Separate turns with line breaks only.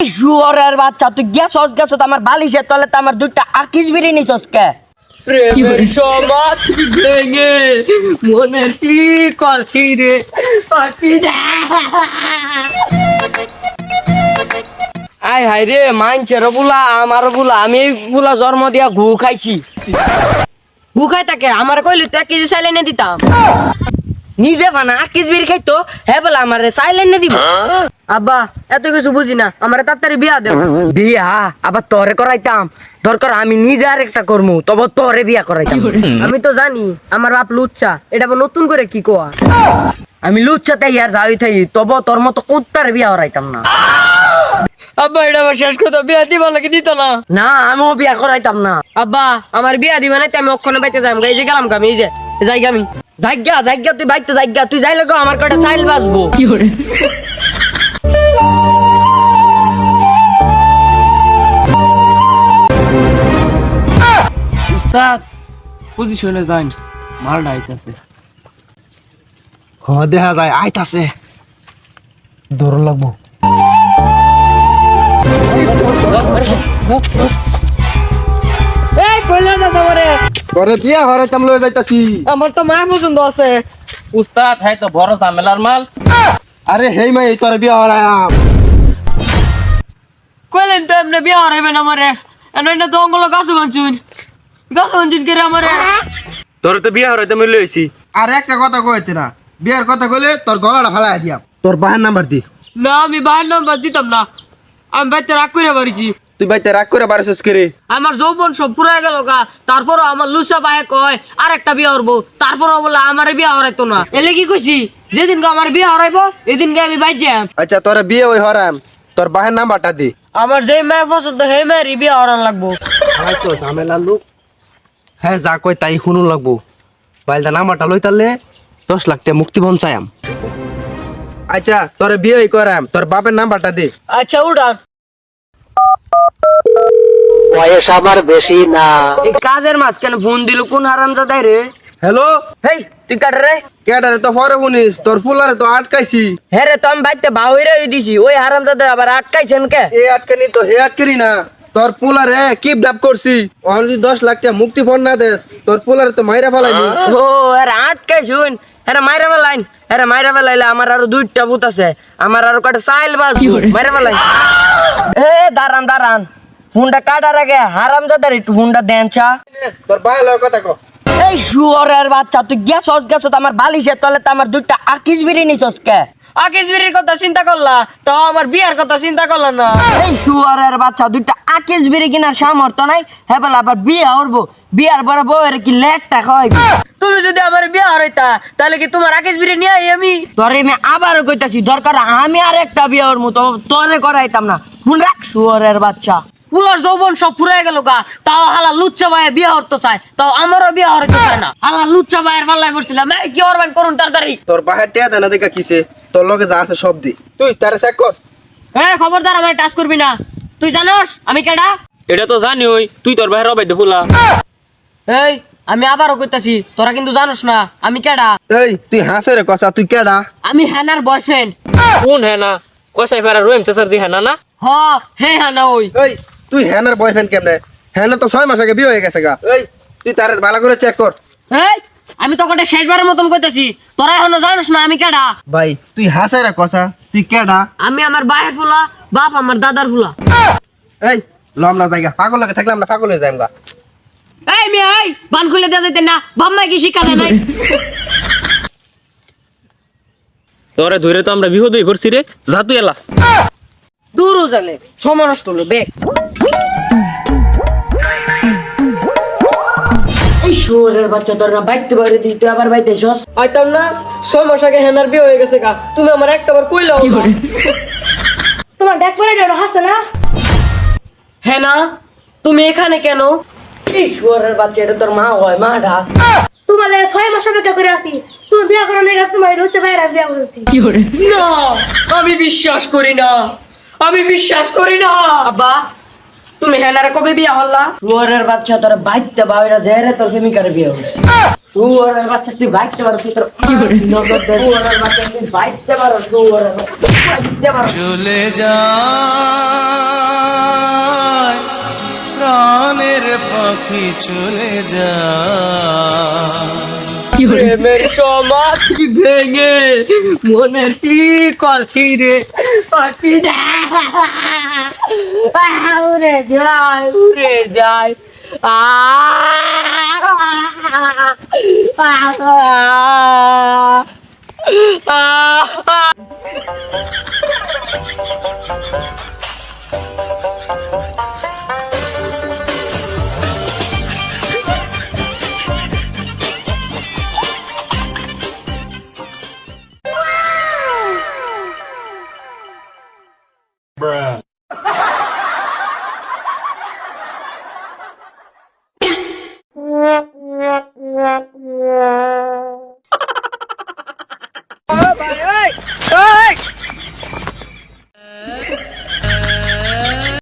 শুয়োরের বাচ্চা তুই গেছস আমার বালিশের তলে তো আমার দুইটা আকিস বিড়ি নিছস কে? প্রেমের সমাজ ভেঙে মনের ঠিক আছে রে আয় হায় রে মানছের বুলা আমার বুলা আমি বুলা জন্ম দিয়া ঘু খাইছি। ঘু খাই তাকে আমার কইলি তো 1 কেজি চাইলে এনে দিতাম। নিজে বানা 1 কেজি বিড়ি খাইতো হ্যাঁ বলে আমার চাইলে এনে দিব। আব্বা এত কিছু বুঝি না, আমার তাড়াতাড়ি বিয়া দেব। বিয়া আবার তোরে করাইতাম, দরকার আমি নিজে আর একটা করমু, তবে তোরে বিয়া করাইতাম। আমি তো জানি আমার বাপ লুচ্চা, এটা আবার নতুন করে কি কোয়া? আমি লুচ্চা তাই আর যাই থাই, তবে তোর মতো কুত্তার বিয়া করাইতাম না। আব্বা এটা আমার শেষ কথা, বিয়া দিবা নাকি দিত না? না আমিও বিয়া করাইতাম না। আব্বা আমার বিয়া দিবা না, আমি ওখানে বাইতে যাম, এই যে গেলাম আমি, এই যে যাই আমি জায়গা তুই বাইতে জায়গা, তুই যাইলে গো আমার কটা চাইল বাঁচবো। কি করে
উস্তাদ পজিশনে যান, মালটা আইতাছে।
দেখা যায় আইতাছে, দৌড় লাগবো।
এই কইলা যাস আমারে?
তোরে বিয়া হরাইতাম লয়ে যাইতাছি।
আমার তো মা পছন্দ আছে।
উস্তাদ হ্যাঁ তো বড় ঝামেলার মাল।
আরে হেই মাই তোরে বিয়া হরাইয়াম।
কইলেন তো এমনি বিয়া হরাইবেন আমারে, এনে তো অঙ্গল গাছ বাঞ্চুন করে আমারে।
তোরে তো বিয়া হরাইতে মিলে হইছি।
আর একটা কথা কইতে না, বিয়ার কথা কইলে তোর গলাটা ফালাই দিয়াম। তোর বাহার নাম্বার দি।
না আমি বাইর নাম্বার দিতাম না, আমি বাইতে রাগ করে বাড়িছি।
তুই বাইতে রাগ করে বারছিস কে রে?
আমার যৌবন সব পুরাই গেল গা, তারপরও আমার লুসা ভাই কয় আর একটা বিয়া হরবো, তারপরও বলে আমার বিয়া হরাইতো না। এলে কি কইছি, যেদিন আমার বিয়া হরাইবো এদিনকে আমি বাইর যাম।
আচ্ছা তোরে বিয়ে ওই হরাম, তোর বাহার নাম্বারটা দি।
আমার যে মেয়ে পছন্দ সেই মেয়ের বিয়া হরান লাগবো।
ভাই তো ঝামেলা লোক। হ্যাঁ যা কই তাই শুনুন লাগবো। বাইলটা নাম্বারটা লই তারলে 10 লাখ টাকা মুক্তিপণ চাইম। আচ্ছা তোরে বিয়ে করাম, তোর বাপের নাম্বারটা দে।
আচ্ছা উড়ান।
বয়স আমার বেশি না।
এই কাজের মাঝখানে ফোন দিল কোন হারামজাদাই রে?
হ্যালো,
হেই তুই কাট রে।
কেডারে তো পরে শুনিস, তোর ফুলারে তো আটকাইছি।
হ্যাঁ রে, তো আমি বাইতে বাউইরে দিছি, ওই হারামজাদা আবার আটকাইছেন কে?
এ আটকানি তো হে আটকানি না, তোর ফুলারে কিডন্যাপ করছি। ওর যদি 10 লাখ টাকা মুক্তিপণ না দেস, তোর ফুলারে তো মাইরা ফেলাইনি।
ও আরে আটকাইছুন, আরে মাইরা ফেলাইন, আরে মাইরা ফেলাইলে আমার আরো 2টা ভূত আছে, আমার আরো কটা চাইল বাস মাইরা ফেলাই। এ দাঁড়ান ফোনটা কাটার আগে হারামজাদার একটু ফোনটা দেন চা।
তোর ভাই লয় কথা কো।
এই শুয়োরের বাচ্চা তুই গেছস আমার বালিশের তলে তো আমার 2টা আকিস বিড়ি নিছস কে? আকিস বিড়ির কথা চিন্তা করলা তো আমার বিয়ার কথা চিন্তা করলা না? এই শুয়োরের বাচ্চা 2টা আকিস বিড়ি কিনার সামর্থ্য নাই, হ্যাঁ বলে আবার বিয়া হরবো, বিয়ার পরে বউয়ের কি লেটটা খাওয়াইবি? তুমি যদি আমার বিয়া হরাইতা তাহলে কি তোমার আকিস বিড়ি নিয়ে আমি তোরে আমি আবারও কইতাছি, দরকার আমি আর একটা বিয়া হরমু, তো তোরে করাইতাম না। ফোন রাখ শুয়োরের বাচ্চা। পুলার যৌবন সব ফুরাই গেল গা, তাও হালা লুচ্চা ভাইয়ে বিয়া হরতে চায়, তাও আমারও বিয়া হরতে চায় না। হালা লুচ্চা ভাইয়ের পাল্লায় পড়ছিলাম, এই কি হরবেন করুন তাড়াতাড়ি।
তোর বাহার টিয়া দেনা দেখা কিছে, তোর লগে যা আছে সব দি। তুই তারে চেক কর।
হ্যাঁ খবরদার আমার টাচ করবি না, তুই জানোস আমি কেডা?
এটা তো জানি ওই তুই তোর ভাইয়ের অবাইতে ফুলা।
এই আমি আবারও কইতাছি, তোরা কিন্তু জানোস না আমি কেডা।
এই তুই হাসে রে কসা, তুই কেডা?
আমি হ্যানার বয়ফ্রেন্ড।
কোন হ্যাঁ না কসাই ফেরা রহিম চাচার জি হ্যাঁ না?
হ হে হ্যানা ওই।
এই তুই হ্যানার বয়ফ্রেন্ড কেমনে? হ্যানা তো 6 মাস আগে বিয়ে হয়ে গেছে গা। এই তুই তারে ভালো করে চেক কর।
এই আমি তো কটা শেষবারের মতন কইতাছি, তোরা এখনো জানোস না আমি কেডা।
ভাই তুই হাসে রে কসা, তুই কেডা?
আমি আমার ভাইয়ের ফুলা, বাপ আমার দাদার ফুলা।
এই লম না জায়গা, পাগল লাগে থাকলাম না, পাগল হয়ে যাইম গা।
এই মেয়ে এই বান খুলে দেওয়া যেতেন না, বাম্মা কি শিক্ষা দেয় নাই?
তোরে ধরে তো আমরা বিপদ হয়ে পড়ছি রে, যা তুই এলা।
দূরও জানে সময় নষ্ট হলো বেগ। এই শুয়োরের বাচ্চা তোর না বাইতে বাইরে দিই, তুই আবার বাইতে এসস। আইতাম না 6 মাস আগে হেনার বিয়ে হয়ে গেছে গা, তুমি আমার একটাবার কইলাও না। তোমার ডাক পরে ডর হাসে না? হ্যাঁ না তুমি এখানে কেন? এই শুয়োরের বাচ্চা, এটা তোর মা হয়, মা ডাক।
তোমার 6 মাস অপেক্ষা করে আসি, তুমি বিয়া করো না, তোমার হচ্ছে বাইরে বিয়া করছি।
না আমি বিশ্বাস করি না, আমি বিশ্বাস করি না। আব্বা তুমি হেনারে কবে বিয়া হল্লা? শুয়োরের বাচ্চা তোর বাইতে বাইরে জেরে তোর প্রেমিকারে বিয়ে হইছে। শুয়োরের বাচ্চা তুই বাইতে পারো, তুই তোর নগদ দে। শুয়োরের বাচ্চা তুই বাইতে পারো, শুয়োরের বাচ্চা বাইতে পারো।
চলে যা পাখি চলে যা
প্রেমের সমাধি ভেঙে মনের টিকল ছিঁড়ে পাখি উড়ে যায় উড়ে যায় আ